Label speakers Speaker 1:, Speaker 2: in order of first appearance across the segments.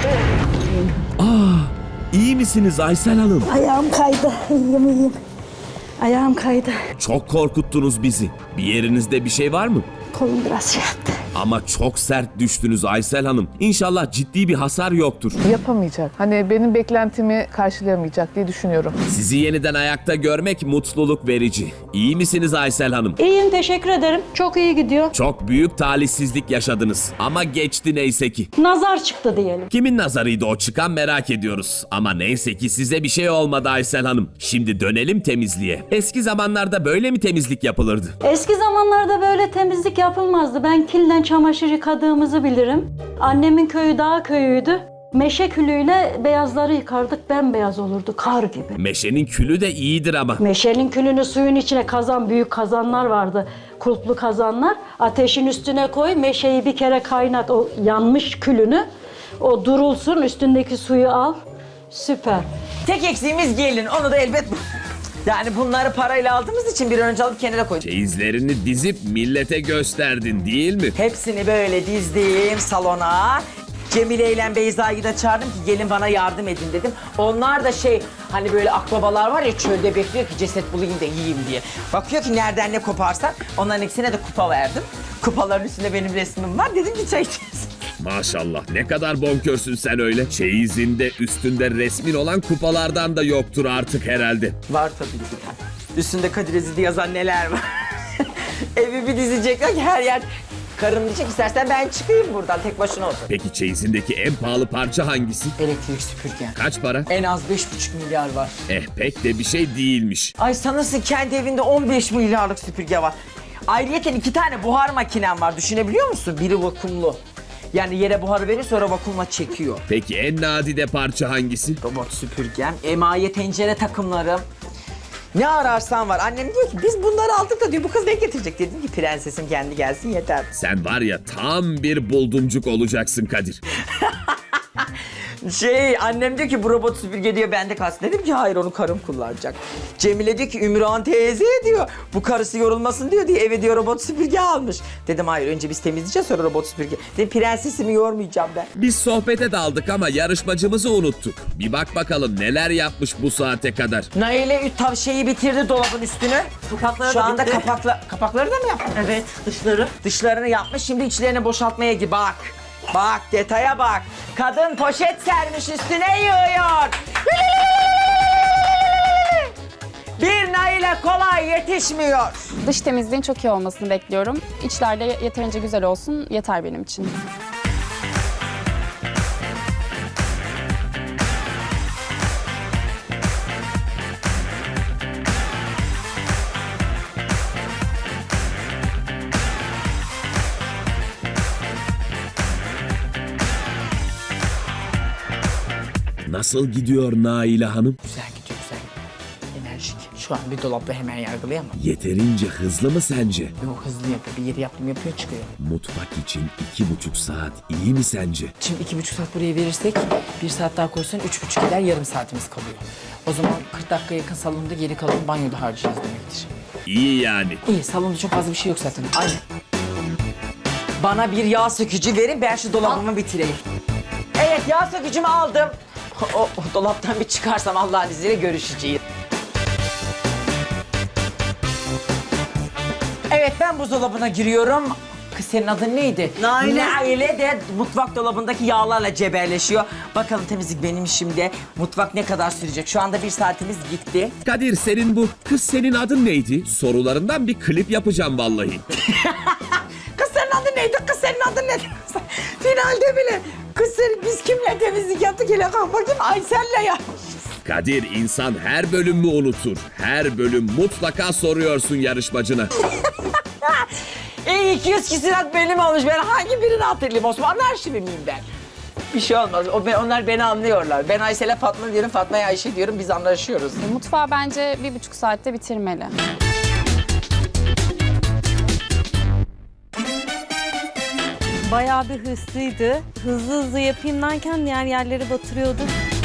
Speaker 1: İyi misiniz Aysel Hanım?
Speaker 2: Ayağım kaydı. İyiyim. Ayağım kaydı.
Speaker 1: Çok korkuttunuz bizi. Bir yerinizde bir şey var mı?
Speaker 2: Kolum biraz şey yaptı.
Speaker 1: Ama çok sert düştünüz Aysel Hanım. İnşallah ciddi bir hasar yoktur.
Speaker 3: Yapamayacak. Hani benim beklentimi karşılayamayacak diye düşünüyorum.
Speaker 1: Sizi yeniden ayakta görmek mutluluk verici. İyi misiniz Aysel Hanım?
Speaker 2: İyiyim, teşekkür ederim. Çok iyi gidiyor.
Speaker 1: Çok büyük talihsizlik yaşadınız. Ama geçti neyse ki.
Speaker 2: Nazar çıktı diyelim.
Speaker 1: Kimin nazarıydı o çıkan merak ediyoruz. Ama neyse ki size bir şey olmadı Aysel Hanım. Şimdi dönelim temizliğe. Eski zamanlarda böyle mi temizlik yapılırdı?
Speaker 2: Eski zamanlarda böyle temizlik yapılmazdı. Ben kilden çamaşır yıkadığımızı bilirim. Annemin köyü dağ köyüydü. Meşe külüyle beyazları yıkardık, bembeyaz olurdu, kar gibi.
Speaker 1: Meşenin külü de iyidir ama.
Speaker 2: Meşenin külünü suyun içine kazan, büyük kazanlar vardı. Kulplu kazanlar. Ateşin üstüne koy, meşeyi bir kere kaynat, o yanmış külünü. O durulsun, üstündeki suyu al. Süper.
Speaker 4: Tek eksiğimiz gelin. Onu da elbet... Yani bunları parayla aldığımız için bir an önce alıp kenara koydum.
Speaker 1: Çeyizlerini dizip millete gösterdin değil mi?
Speaker 4: Hepsini böyle dizdim salona. Cemile ile Beyza'yı da çağırdım ki gelin bana yardım edin dedim. Onlar da hani böyle akbabalar var ya çölde bekliyor ki ceset bulayım da yiyeyim diye. Bakıyor ki nereden ne koparsan onların ikisine de kupa verdim. Kupaların üstünde benim resmim var. Dedim ki çay içeceğiz.
Speaker 1: Maşallah ne kadar bonkörsün sen öyle. Çeyizinde üstünde resmin olan kupalardan da yoktur artık herhalde.
Speaker 4: Var tabii ki. Üstünde Kadir Ezildi yazan neler var. Evi bir dizecekler ki her yer... Karım diyecek istersen ben çıkayım buradan tek başına otur.
Speaker 1: Peki çeyizindeki en pahalı parça hangisi?
Speaker 4: Elektrik süpürge.
Speaker 1: Kaç para?
Speaker 4: En az 5,5 milyar var.
Speaker 1: Pek de bir şey değilmiş.
Speaker 4: Ay sanırsın kendi evinde 15 milyarlık süpürge var. Ayrıyeten 2 tane buhar makinem var düşünebiliyor musun? Biri vakumlu. Yani yere buharı verir sonra vakumla çekiyor.
Speaker 1: Peki en nadide parça hangisi?
Speaker 4: Robot süpürgem, emaye tencere takımlarım. Ne ararsan var. Annem diyor ki biz bunları aldık da diyor bu kız ne getirecek? Dedim ki prensesim kendi gelsin yeter.
Speaker 1: Sen var ya tam bir buldumcuk olacaksın Kadir.
Speaker 4: Annem diyor ki bu robot süpürge diyor bende kalsın. Dedim ki hayır onu karım kullanacak. Cemile diyor ki Ümran teyze diyor bu karısı yorulmasın diyor eve diyor robot süpürge almış. Dedim hayır önce biz temizleyeceğiz sonra robot süpürge. Dedim prensesimi yormayacağım ben.
Speaker 1: Biz sohbete daldık ama yarışmacımızı unuttuk. Bir bak bakalım neler yapmış bu saate kadar.
Speaker 4: Naile şeyi bitirdi dolabın üstünü.
Speaker 5: Kapakları
Speaker 4: Şu
Speaker 5: da
Speaker 4: anda
Speaker 5: bitti.
Speaker 4: kapakları da mı yaptın?
Speaker 5: Evet, dışları.
Speaker 4: Dışlarını yapmış şimdi içlerini boşaltmaya gibi bak. Bak detaya bak. Kadın poşet sermiş üstüne yığıyor. Bir Nail'e kolay yetişmiyor.
Speaker 6: Dış temizliğin çok iyi olmasını bekliyorum. İçlerde yeterince güzel olsun, yeter benim için.
Speaker 1: Nasıl gidiyor Naile Hanım?
Speaker 4: Güzel gidiyor güzel. Enerjik. Şu an bir dolapla hemen yargılayamam.
Speaker 1: Yeterince hızlı mı sence?
Speaker 4: Yok hızlı yapıyor. Bir yeri yaptım yapıyor çıkıyor.
Speaker 1: Mutfak için 2,5 saat iyi mi sence?
Speaker 4: Şimdi 2,5 saat buraya verirsek 1 saat daha koysan 3,5 eder yarım saatimiz kalıyor. O zaman 40 dakika yakın salonda geri kalan banyoda harcayacağız demektir.
Speaker 1: İyi yani.
Speaker 4: İyi salonda çok fazla bir şey yok zaten. Aynen. Bana bir yağ sökücü verin ben şu dolabımı bitireyim. Evet yağ sökücümü aldım. O dolaptan bir çıkarsam Allah'ın izniyle görüşeceğiz. Evet ben buzdolabına giriyorum. Kız senin adın neydi?
Speaker 5: Naile.
Speaker 4: Naile de mutfak dolabındaki yağlarla cebelleşiyor. Bakalım temizlik benim işimde. Mutfak ne kadar sürecek? Şu anda 1 saatimiz gitti.
Speaker 1: Kadir senin adın neydi? Sorularından bir klip yapacağım vallahi.
Speaker 4: Kız senin adın neydi? Kız senin adın neydi? Finalde bile. Kız biz kimle temizlik yaptık? Hele kalk bakayım Aysel'le ya.
Speaker 1: Kadir insan her bölüm mü unutur? Her bölüm mutlaka soruyorsun yarışmacına.
Speaker 4: 200 kişilik benim olmuş. Ben hangi birini hatırlayayım? Osmanlı arşivi miyim ben? Bir şey olmaz. Onlar beni anlıyorlar. Ben Aysel'e Fatma diyorum, Fatma'ya Ayşe diyorum. Biz anlaşıyoruz.
Speaker 6: Mutfağı bence 1,5 saatte bitirmeli.
Speaker 5: Bayağı bir hırslıydı. Hızlı hızlı yapayım derken diğer yerleri batırıyordu.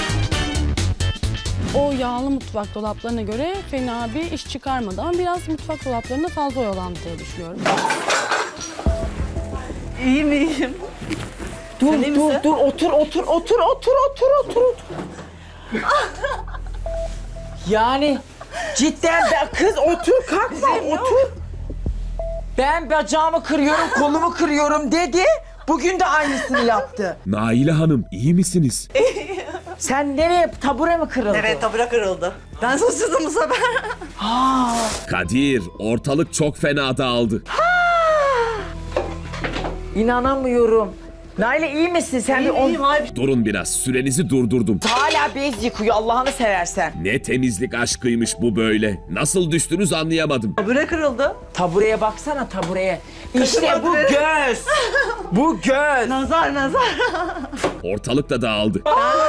Speaker 7: O yağlı mutfak dolaplarına göre fena bir iş çıkarmadı ama biraz mutfak dolaplarında fazla oyalandı diye düşünüyorum.
Speaker 5: İyi miyim?
Speaker 4: Dur
Speaker 5: Sen iyi
Speaker 4: dur
Speaker 5: misin?
Speaker 4: dur otur. Yani cidden kız otur kalkma otur. Ben bacağımı kırıyorum, kolumu kırıyorum dedi. Bugün de aynısını yaptı.
Speaker 1: Naile Hanım iyi misiniz?
Speaker 4: Sen nereye? Tabure mi kırıldı?
Speaker 5: Evet, tabure kırıldı. Ben şaşırdım bu sefer.
Speaker 1: Kadir ortalık çok fena dağıldı.
Speaker 4: İnanamıyorum. Naile iyi misin? Sen bir on...
Speaker 5: İyiyim abi.
Speaker 1: Durun biraz sürenizi durdurdum.
Speaker 4: Hala bez yıkıyor Allah'ını seversen.
Speaker 1: Ne temizlik aşkıymış bu böyle. Nasıl düştünüz anlayamadım.
Speaker 5: Tabure kırıldı.
Speaker 4: Tabureye baksana tabureye. İşte bu
Speaker 5: Kaçırmadı beni.
Speaker 4: göz. Bu göz.
Speaker 5: Nazar.
Speaker 1: Ortalık da dağıldı.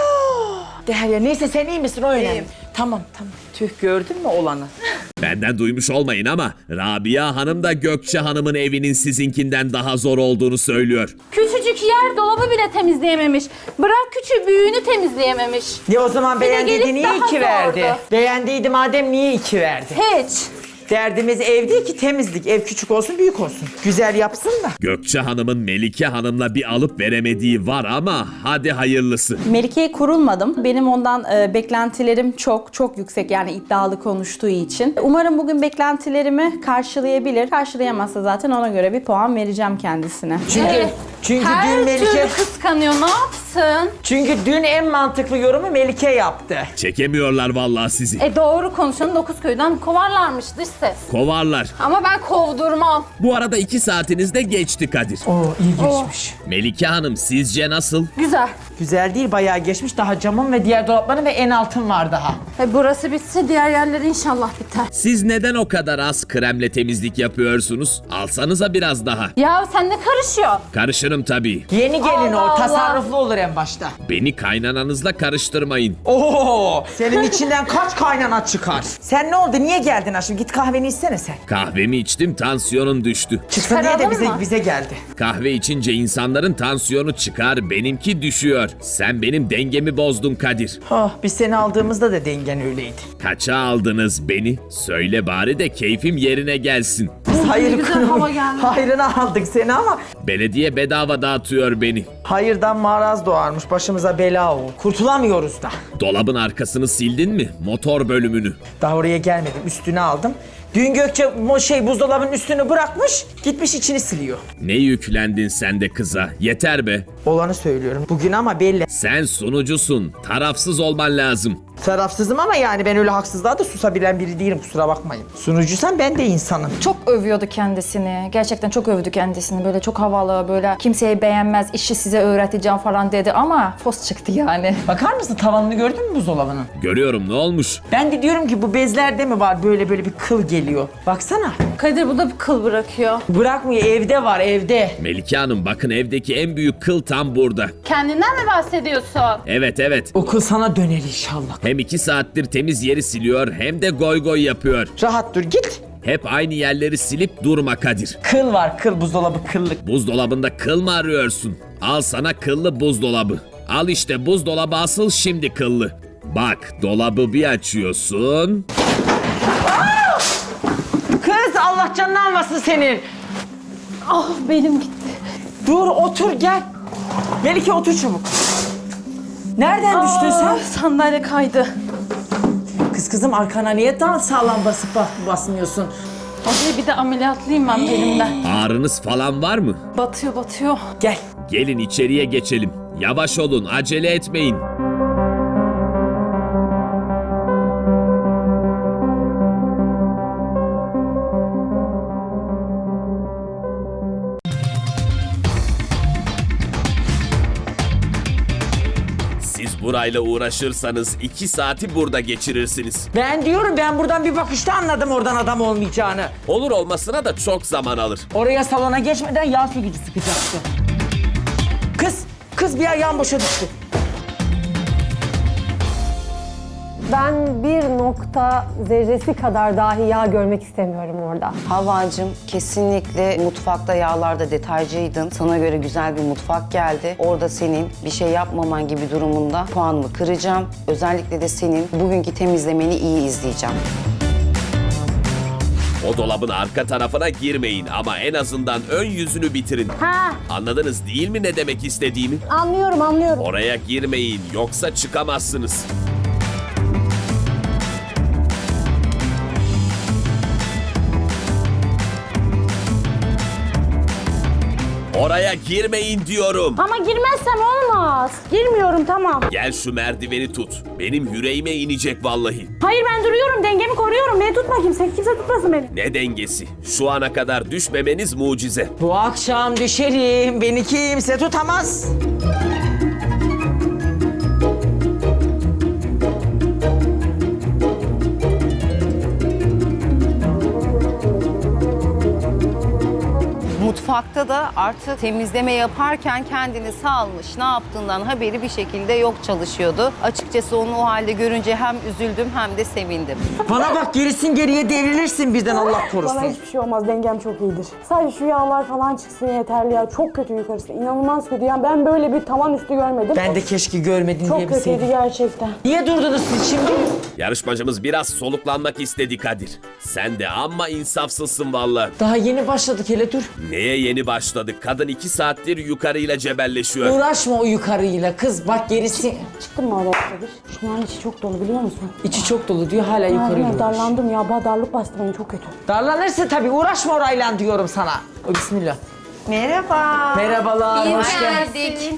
Speaker 4: Derya neyse sen iyi misin o önemli.
Speaker 5: İyiyim.
Speaker 4: Tamam. Tüh gördün mü olanı?
Speaker 1: Benden duymuş olmayın ama Rabia Hanım da Gökçe Hanım'ın evinin sizinkinden daha zor olduğunu söylüyor.
Speaker 8: Küçücük yer dolabı bile temizleyememiş. Bırak küçük büyüğünü temizleyememiş.
Speaker 4: Ne o zaman
Speaker 8: Bir de
Speaker 4: beğendiydi
Speaker 8: gelip
Speaker 4: niye
Speaker 8: daha
Speaker 4: 2 verdi?
Speaker 8: sordu.
Speaker 4: Beğendiydi madem niye 2 verdi?
Speaker 8: Hiç.
Speaker 4: Derdimiz ev değil ki temizlik. Ev küçük olsun büyük olsun. Güzel yapsın da.
Speaker 1: Gökçe Hanım'ın Melike Hanım'la bir alıp veremediği var ama hadi hayırlısı.
Speaker 9: Melike'ye kurulmadım. Benim ondan beklentilerim çok yüksek, yani iddialı konuştuğu için. Umarım bugün beklentilerimi karşılayabilir. Karşılayamazsa zaten ona göre bir puan vereceğim kendisine.
Speaker 4: Çünkü
Speaker 8: Her
Speaker 4: dün Melike
Speaker 8: türlü kıskanıyor. Ne yapsın?
Speaker 4: çünkü dün en mantıklı yorumu Melike yaptı.
Speaker 1: Çekemiyorlar vallahi sizi.
Speaker 8: Doğru konuşanı 9 köyden kovarlarmış dış ses.
Speaker 1: Kovarlar.
Speaker 8: Ama ben kovdurmam.
Speaker 1: Bu arada 2 saatiniz de geçti Kadir.
Speaker 4: Oo iyi geçmiş.
Speaker 1: Melike Hanım sizce nasıl?
Speaker 8: Güzel.
Speaker 4: Güzel değil bayağı geçmiş. Daha camın ve diğer dolapların ve en altın var daha.
Speaker 8: Burası bitse diğer yerler inşallah biter.
Speaker 1: Siz neden o kadar az kremle temizlik yapıyorsunuz? Alsanıza biraz daha.
Speaker 8: Ya sen ne karışıyor?
Speaker 1: Karışırım tabii.
Speaker 4: Yeni gelin
Speaker 8: Allah
Speaker 4: o
Speaker 8: Allah.
Speaker 4: tasarruflu olur en başta.
Speaker 1: Beni kaynananızla karıştırmayın.
Speaker 4: Oo senin içinden kaç kaynana çıkar? Sen ne oldu niye geldin aşkım? Git kahveni içsene sen.
Speaker 1: Kahvemi içtim, tansiyonum düştü.
Speaker 4: Çıksın diye de
Speaker 8: Çıkaralım mı?
Speaker 4: bize geldi.
Speaker 1: Kahve içince insanların tansiyonu çıkar, benimki düşüyor. Sen benim dengemi bozdun Kadir.
Speaker 4: Oh biz seni aldığımızda da dengen öyleydi.
Speaker 1: Kaça aldınız beni? Söyle bari de keyfim yerine gelsin.
Speaker 4: Biz hayır
Speaker 8: güzel hava geldi.
Speaker 4: hayrına aldık seni ama
Speaker 1: Belediye bedava dağıtıyor beni.
Speaker 4: hayırdan maraz doğarmış başımıza bela o. Kurtulamıyoruz da.
Speaker 1: Dolabın arkasını sildin mi? Motor bölümünü.
Speaker 4: Daha oraya gelmedim üstüne aldım. Dün Gökçe buzdolabının üstünü bırakmış gitmiş içini siliyor.
Speaker 1: Ne yüklendin sen de kıza? Yeter be.
Speaker 4: Olanı söylüyorum bugün ama belli.
Speaker 1: Sen sunucusun. Tarafsız olman lazım.
Speaker 4: Tarafsızım ama yani ben öyle haksızlığa da susabilen biri değilim kusura bakmayın. Sunucuysan ben de insanım.
Speaker 9: Çok övüyordu kendisini. Gerçekten çok övdü kendisini. Böyle çok havalı, böyle kimseyi beğenmez, işi size öğreteceğim falan dedi ama fos çıktı yani.
Speaker 4: Bakar mısın tavanını gördün mü buzdolabının?
Speaker 1: Görüyorum ne olmuş?
Speaker 4: Ben de diyorum ki bu bezlerde mi var böyle bir kıl geliyor. Baksana.
Speaker 8: Kadir bu da bir kıl bırakıyor.
Speaker 4: Bırakmıyor evde var evde.
Speaker 1: Melike Hanım bakın evdeki en büyük kıl tam burada.
Speaker 8: Kendinden mi bahsediyorsun?
Speaker 1: Evet.
Speaker 4: O kıl sana döner inşallah.
Speaker 1: Hem 2 saattir temiz yeri siliyor hem de goy goy yapıyor.
Speaker 4: Rahat dur git.
Speaker 1: Hep aynı yerleri silip durma Kadir.
Speaker 4: Kıl var kıl buzdolabı kıllık.
Speaker 1: Buzdolabında kıl mı arıyorsun? Al sana kıllı buzdolabı. Al işte buzdolabı asıl şimdi kıllı. Bak dolabı bir açıyorsun.
Speaker 4: Kız Allah canını almasın senin.
Speaker 8: Ah benim gitti.
Speaker 4: Dur otur gel. Melike otur çabuk. Nereden düştün sen?
Speaker 8: Sandalye kaydı.
Speaker 4: Kızım arkana niye daha sağlam basıp basmıyorsun?
Speaker 8: Hadi bir de ameliyatlıyım ben elimden.
Speaker 1: Ağrınız falan var mı?
Speaker 8: Batıyor.
Speaker 4: Gel.
Speaker 1: Gelin içeriye geçelim. Yavaş olun, acele etmeyin. Siz burayla uğraşırsanız 2 saati burada geçirirsiniz.
Speaker 4: Ben diyorum ben buradan bir bakışta anladım oradan adam olmayacağını.
Speaker 1: Olur olmasına da çok zaman alır.
Speaker 4: Oraya salona geçmeden yağ sökücü sıkacaktı. Kız bir ayağım boşa düştü.
Speaker 10: Ben bir nokta zerresi kadar dahi yağ görmek istemiyorum orada.
Speaker 11: Havacım kesinlikle mutfakta yağlarda detaycıydın. Sana göre güzel bir mutfak geldi. Orada senin bir şey yapmaman gibi durumunda puanımı kıracağım. Özellikle de senin bugünkü temizlemeni iyi izleyeceğim.
Speaker 1: O dolabın arka tarafına girmeyin ama en azından ön yüzünü bitirin.
Speaker 8: Ha,
Speaker 1: Anladınız değil mi ne demek istediğimi?
Speaker 8: anlıyorum.
Speaker 1: Oraya girmeyin yoksa çıkamazsınız. Oraya girmeyin diyorum.
Speaker 8: Ama girmezsem olmaz. Girmiyorum, tamam.
Speaker 1: Gel şu merdiveni tut. Benim yüreğime inecek vallahi.
Speaker 8: Hayır, ben duruyorum, dengemi koruyorum. Beni tutma kimse tutmasın beni.
Speaker 1: Ne dengesi? Şu ana kadar düşmemeniz mucize.
Speaker 4: Bu akşam düşerim. Beni kimse tutamaz.
Speaker 11: Mutfakta da artık temizleme yaparken kendini salmış, ne yaptığından haberi bir şekilde yok çalışıyordu. Açıkçası onu o halde görünce hem üzüldüm hem de sevindim.
Speaker 4: Bana bak, gerisin geriye devrilirsin birden, Allah
Speaker 10: Bana
Speaker 4: korusun.
Speaker 10: hiçbir şey olmaz. Dengem çok iyidir. Sadece şu yağlar falan çıksın yeterli ya. Çok kötü yukarısı. İnanılmaz kötü. Yani ben böyle bir tavan üstü görmedim.
Speaker 4: Ben de keşke görmedin
Speaker 10: Çok
Speaker 4: diye
Speaker 10: kötüydü
Speaker 4: bilseydim.
Speaker 10: gerçekten.
Speaker 4: Niye durdunuz siz şimdi?
Speaker 1: Yarışmacımız biraz soluklanmak istedi Kadir. Sen de amma insafsızsın vallahi.
Speaker 4: Daha yeni başladık, hele dur.
Speaker 1: Neye yeni başladık? Kadın 2 saattir yukarıyla cebelleşiyor.
Speaker 4: Uğraşma o yukarıyla kız, bak gerisi.
Speaker 10: Çıktın mı oraya Kadir? Şunların içi çok dolu biliyor musun?
Speaker 4: İçi çok dolu diyor, hala yukarıyla uğraş.
Speaker 10: Darlandım ya. Darlık bastı beni çok kötü.
Speaker 4: Darlanırsa tabii uğraşma orayla diyorum sana. O, bismillah.
Speaker 11: Merhaba.
Speaker 4: Merhabalar, hoş geldin.
Speaker 11: geldik.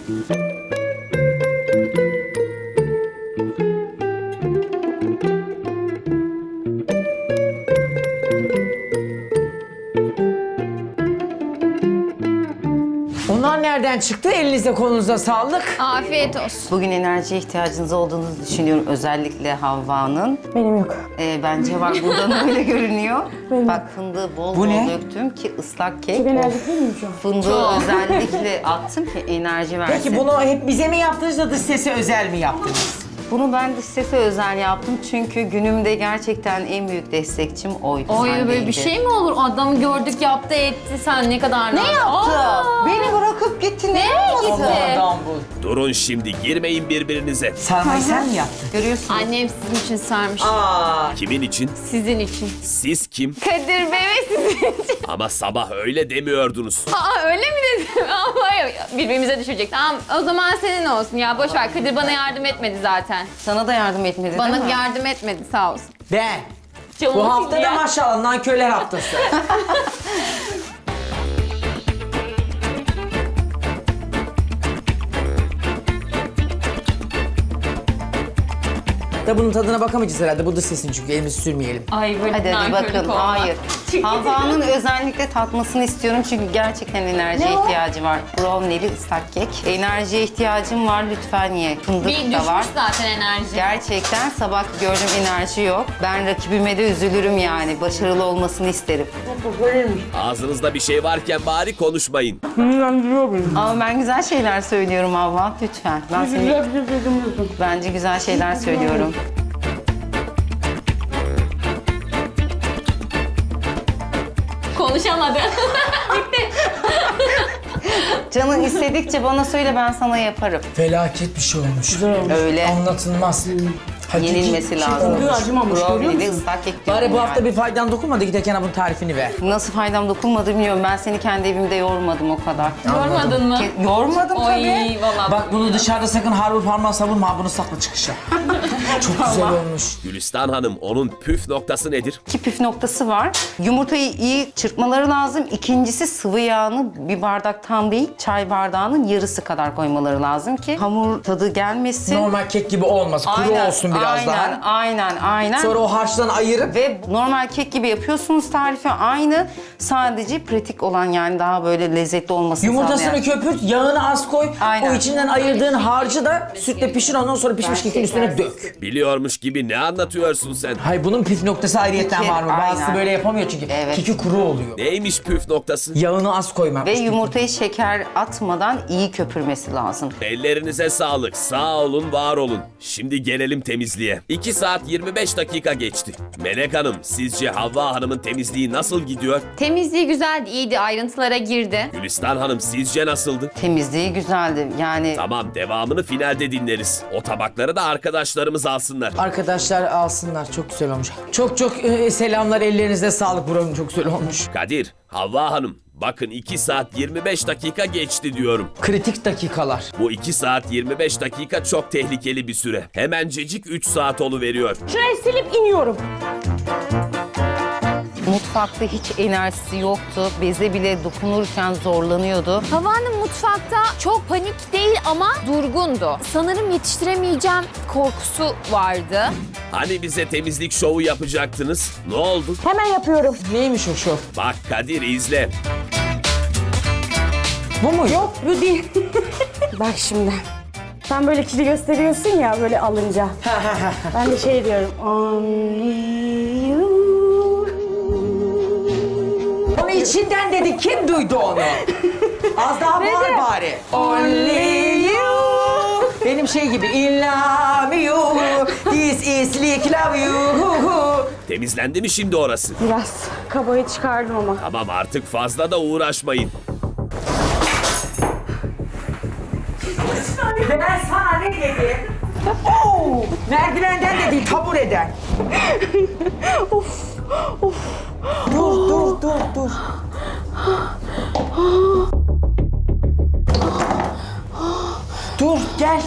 Speaker 4: Onlar nereden çıktı? Elinize kolunuza sağlık.
Speaker 8: Afiyet olsun.
Speaker 11: Bugün enerjiye ihtiyacınız olduğunu düşünüyorum. Özellikle Havva'nın.
Speaker 10: Benim yok.
Speaker 11: Bence var, buradan öyle görünüyor. Bak, fındığı bol
Speaker 4: Bu
Speaker 11: bol
Speaker 4: ne?
Speaker 11: döktüm ki ıslak kek.
Speaker 10: Ben elde değil miyim şu an?
Speaker 11: Fındığı özellikle attım ki enerji versin.
Speaker 4: Peki bunu hep bize mi yaptınız da dış sese özel mi yaptınız?
Speaker 11: Bunu ben dış sese özel yaptım çünkü günümde gerçekten en büyük destekçim oydu.
Speaker 8: Oy,
Speaker 11: sen
Speaker 8: böyle bir
Speaker 11: değildin.
Speaker 8: şey mi olur? Adamı gördük, yaptı etti. Sen ne kadar ne yaptı?
Speaker 11: Beni bırakıp gitti. Ne
Speaker 8: gitti?
Speaker 4: Allah'dan bu.
Speaker 1: Durun şimdi girmeyin birbirinize.
Speaker 4: Sarmayı sen mi yaptın?
Speaker 11: Görüyorsun.
Speaker 8: Annem sizin için sarmış.
Speaker 1: Kimin için?
Speaker 8: Sizin için.
Speaker 1: Siz kim?
Speaker 8: Kadir Bey ve sizin için.
Speaker 1: Ama sabah öyle demiyordunuz.
Speaker 8: Aa, öyle mi dedim? Ama birbirimize düşecek. Tamam, o zaman senin olsun ya. Boş ver. Kadir bana yardım etmedi zaten.
Speaker 11: Sana da yardım etmedi
Speaker 8: Bana
Speaker 11: değil mi?
Speaker 8: yardım etmedi, sağ olsun.
Speaker 4: Ben.
Speaker 8: Canım
Speaker 4: Bu hafta da
Speaker 8: ya.
Speaker 4: maşallah nankörler haftası. Da bunun tadına bakamayacağız herhalde. Bu da sesin çünkü elimizi sürmeyelim.
Speaker 8: Ay böyle
Speaker 11: Hadi
Speaker 8: nankörlük
Speaker 11: bakın,
Speaker 8: olmaz.
Speaker 11: hayır. Havva'nın özellikle tatmasını istiyorum çünkü gerçekten enerjiye ihtiyacı var. Brownie'li ıslak kek. Enerjiye ihtiyacım var, lütfen ye. Fındık
Speaker 8: Bir
Speaker 11: da
Speaker 8: düşmüş
Speaker 11: var.
Speaker 8: zaten enerji.
Speaker 11: Gerçekten sabah gördüm, enerji yok. Ben rakibime de üzülürüm yani. Başarılı olmasını isterim.
Speaker 1: Ağzınızda bir şey varken bari konuşmayın.
Speaker 11: Ama ben güzel şeyler söylüyorum Havva, lütfen. Ben seni... Bence güzel şeyler söylüyorum.
Speaker 8: Konuşamadı.
Speaker 11: Canın istedikçe bana söyle, ben sana yaparım.
Speaker 4: Felaket bir şey olmuş.
Speaker 11: Öyle.
Speaker 4: Anlatılmaz.
Speaker 11: Yenilmesi lazım.
Speaker 10: acımamış, görüyor
Speaker 11: Brownie'li
Speaker 10: musun?
Speaker 11: ıslak kek diyorum
Speaker 4: Bari bu hafta
Speaker 11: yani.
Speaker 4: bir faydan dokunmadı, giderken bunun tarifini ver.
Speaker 11: Nasıl faydam dokunmadı bilmiyorum. Ben seni kendi evimde yormadım o kadar.
Speaker 8: Yormadın mı?
Speaker 11: Yormadım
Speaker 8: Oy,
Speaker 11: tabii.
Speaker 8: vallahi.
Speaker 4: Bak bunu dışarıda sakın harbi parmağı savurma, bunu sakla çıkışa. Çok güzel olmuş.
Speaker 1: Gülistan Hanım onun püf noktası nedir?
Speaker 11: İki püf noktası var. Yumurtayı iyi çırpmaları lazım. İkincisi, sıvı yağını bir bardak tam değil, çay bardağının yarısı kadar koymaları lazım ki hamur tadı gelmesin.
Speaker 4: Normal kek gibi olmaz, kuru olsun biraz daha.
Speaker 11: Aynen.
Speaker 4: Sonra o harçtan ayırıp
Speaker 11: Ve normal kek gibi yapıyorsunuz, tarifi aynı. Sadece pratik olan, yani daha böyle lezzetli olmasını
Speaker 4: yumurtasını
Speaker 11: sağlayan.
Speaker 4: köpürt, yağını az koy.
Speaker 11: Aynen.
Speaker 4: O içinden ayırdığın harcı da sütle pişir, ondan sonra pişmiş kekin üstüne dök.
Speaker 1: Biliyormuş gibi ne anlatıyorsun sen?
Speaker 4: Hayır, bunun püf noktası ayrıyetten
Speaker 11: Peki,
Speaker 4: var mı? Bazısı
Speaker 11: aynen.
Speaker 4: böyle yapamıyor çünkü.
Speaker 11: Evet.
Speaker 4: Keki kuru oluyor.
Speaker 1: Neymiş püf noktası?
Speaker 4: Yağını az koymak.
Speaker 11: Ve yumurtayı şeker atmadan iyi köpürmesi lazım.
Speaker 1: Ellerinize sağlık. Sağ olun, var olun. Şimdi gelelim temizliğe. temizliğe. 2 saat 25 dakika geçti. Melek Hanım, sizce Havva Hanım'ın temizliği nasıl gidiyor?
Speaker 8: Temizliği güzeldi, iyiydi, ayrıntılara girdi.
Speaker 1: Gülistan Hanım sizce nasıldı?
Speaker 11: Temizliği güzeldi. Yani
Speaker 1: Tamam, devamını finalde dinleriz. O tabakları da arkadaşlarımız alsınlar.
Speaker 4: Arkadaşlar alsınlar, çok güzel olmuş. Çok selamlar, ellerinize sağlık, buranın çok güzel olmuş.
Speaker 1: Kadir, Havva Hanım, bakın 2 saat 25 dakika geçti diyorum.
Speaker 4: Kritik dakikalar.
Speaker 1: Bu 2 saat 25 dakika çok tehlikeli bir süre. Hemencecik 3 saat oluveriyor.
Speaker 10: Şurayı silip iniyorum.
Speaker 11: mutfakta hiç enerjisi yoktu. Beze bile dokunurken zorlanıyordu.
Speaker 8: Havva Hanım mutfakta çok panik değil ama durgundu. Sanırım yetiştiremeyeceğim korkusu vardı.
Speaker 1: Hani bize temizlik şovu yapacaktınız? Ne oldu?
Speaker 10: Hemen yapıyorum.
Speaker 4: Neymiş o şov?
Speaker 1: Bak Kadir izle.
Speaker 4: Bu mu?
Speaker 10: Yok bu değil. Bak şimdi. Sen böyle kili gösteriyorsun ya böyle alınca. Ben de şey diyorum. Only you.
Speaker 4: Onu içinden dedi. Kim duydu onu? Az daha bağır bari. Only you. Benim şey gibi. In love you. This is like love you.
Speaker 1: Temizlendi mi şimdi orası?
Speaker 10: Biraz kabayı çıkardım ama.
Speaker 1: Tamam artık fazla da uğraşmayın.
Speaker 4: Ben sana ne dedim? Oo, merdivenden de değil, tabureden. Dur. Dur, gel.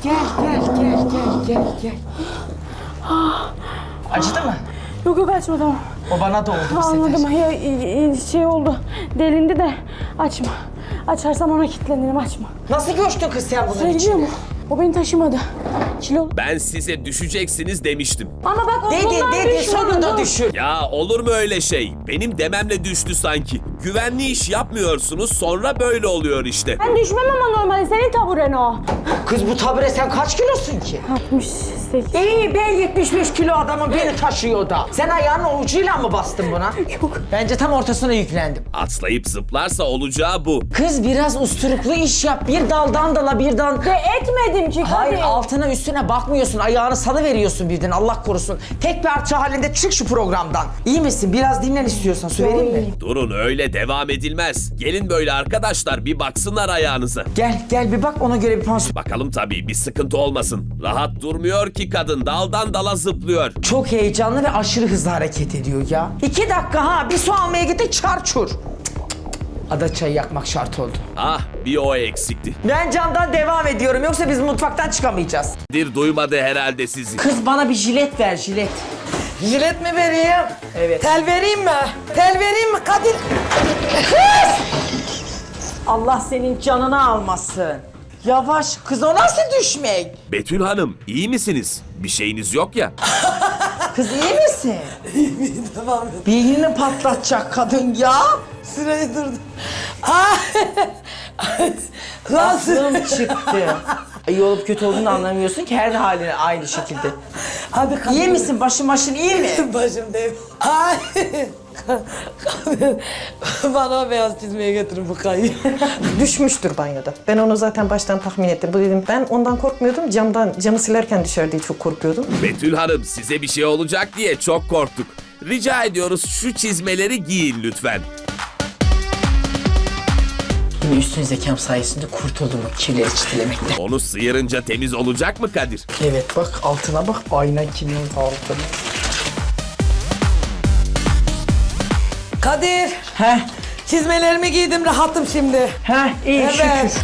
Speaker 4: Acıdı mı?
Speaker 10: Yok açma tamam.
Speaker 4: O bana da oldu bu sefer.
Speaker 10: Anladım. Şey oldu. Delindi de açma. Açarsam ona kilitlenirim açma.
Speaker 4: Nasıl göçtün kız sen bunun
Speaker 10: Biliyor
Speaker 4: içine?
Speaker 10: musun? O beni taşımadı. Kilo.
Speaker 1: Ben size düşeceksiniz demiştim.
Speaker 10: Ama bak ondan
Speaker 4: Dedi, sonunda düşün.
Speaker 1: Ya olur mu öyle şey? Benim dememle düştü sanki. Güvenli iş yapmıyorsunuz sonra böyle oluyor işte.
Speaker 10: Ben düşmem ama normalde senin taburen o.
Speaker 4: Kız bu tabure sen kaç kilosun ki?
Speaker 10: 68.
Speaker 4: İyi ben 75 kilo adamın beni taşıyor da. Sen ayağının ucuyla mı bastın buna?
Speaker 10: Yok.
Speaker 4: Bence tam ortasına yüklendim.
Speaker 1: Atlayıp zıplarsa olacağı bu.
Speaker 4: Kız biraz usturuplu iş yap. Bir daldan dala birden...
Speaker 10: De etmedim ki.
Speaker 4: Hayır
Speaker 10: hadi.
Speaker 4: altına üstüne bakmıyorsun. Ayağını salıveriyorsun birden Allah korusun. Tek parça halinde çık şu programdan. İyi misin? Biraz dinlen istiyorsan. Su vereyim mi?
Speaker 1: Durun öyle devam edilmez. Gelin böyle arkadaşlar bir baksınlar ayağınıza.
Speaker 4: Gel bir bak ona göre bir pansiyon.
Speaker 1: Bakalım tabii bir sıkıntı olmasın. Rahat durmuyor ki kadın daldan dala zıplıyor.
Speaker 4: Çok heyecanlı ve aşırı hızlı hareket ediyor ya. 2 dakika ha bir su almaya gitti çarçur. Ada çayı yakmak şart oldu.
Speaker 1: Ah bir o eksikti.
Speaker 4: Ben camdan devam ediyorum yoksa biz mutfaktan çıkamayacağız.
Speaker 1: Dir duymadı herhalde sizi.
Speaker 4: Kız bana bir jilet ver jilet. Jilet mi vereyim? Evet. Tel vereyim mi? Tel vereyim mi Kadir? Kız! Allah senin canını almasın. Yavaş kız o nasıl düşmek?
Speaker 1: Betül Hanım iyi misiniz? Bir şeyiniz yok ya.
Speaker 4: Kız iyi misin? İyiyim tamam. Beynini patlatacak kadın ya.
Speaker 10: Sırayı durdum.
Speaker 4: Aklım çıktı. İyi olup kötü olduğunu anlamıyorsun ki her haline aynı şekilde.
Speaker 10: Hadi kadın.
Speaker 4: İyi misin? Başın iyi mi?
Speaker 10: Başım değil. Ay. Bana o beyaz çizmeye getirin bu kayı.
Speaker 12: Düşmüştür banyoda. Ben onu zaten baştan tahmin ettim. Bu dedim ben ondan korkmuyordum. Camı silerken düşer diye çok korkuyordum.
Speaker 1: Betül Hanım size bir şey olacak diye çok korktuk. Rica ediyoruz şu çizmeleri giyin lütfen.
Speaker 4: Yine üstün zekam sayesinde kurtuldum o kirleri çitilemekten.
Speaker 1: Onu sıyırınca temiz olacak mı Kadir?
Speaker 4: Evet bak altına bak ayna kimin altına.
Speaker 10: Kadir.
Speaker 4: Heh.
Speaker 10: Çizmelerimi giydim rahatım şimdi.
Speaker 4: Heh iyi
Speaker 10: Evet.
Speaker 4: şükür.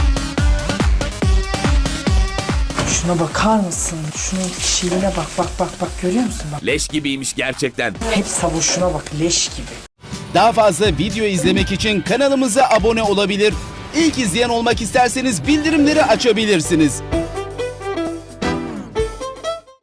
Speaker 4: Şuna bakar mısın? Şunun şiirine bak görüyor musun bak.
Speaker 1: Leş gibiymiş gerçekten.
Speaker 4: Hep savuşuna bak leş gibi.
Speaker 13: Daha fazla video izlemek için kanalımıza abone olabilir. İlk izleyen olmak isterseniz bildirimleri açabilirsiniz.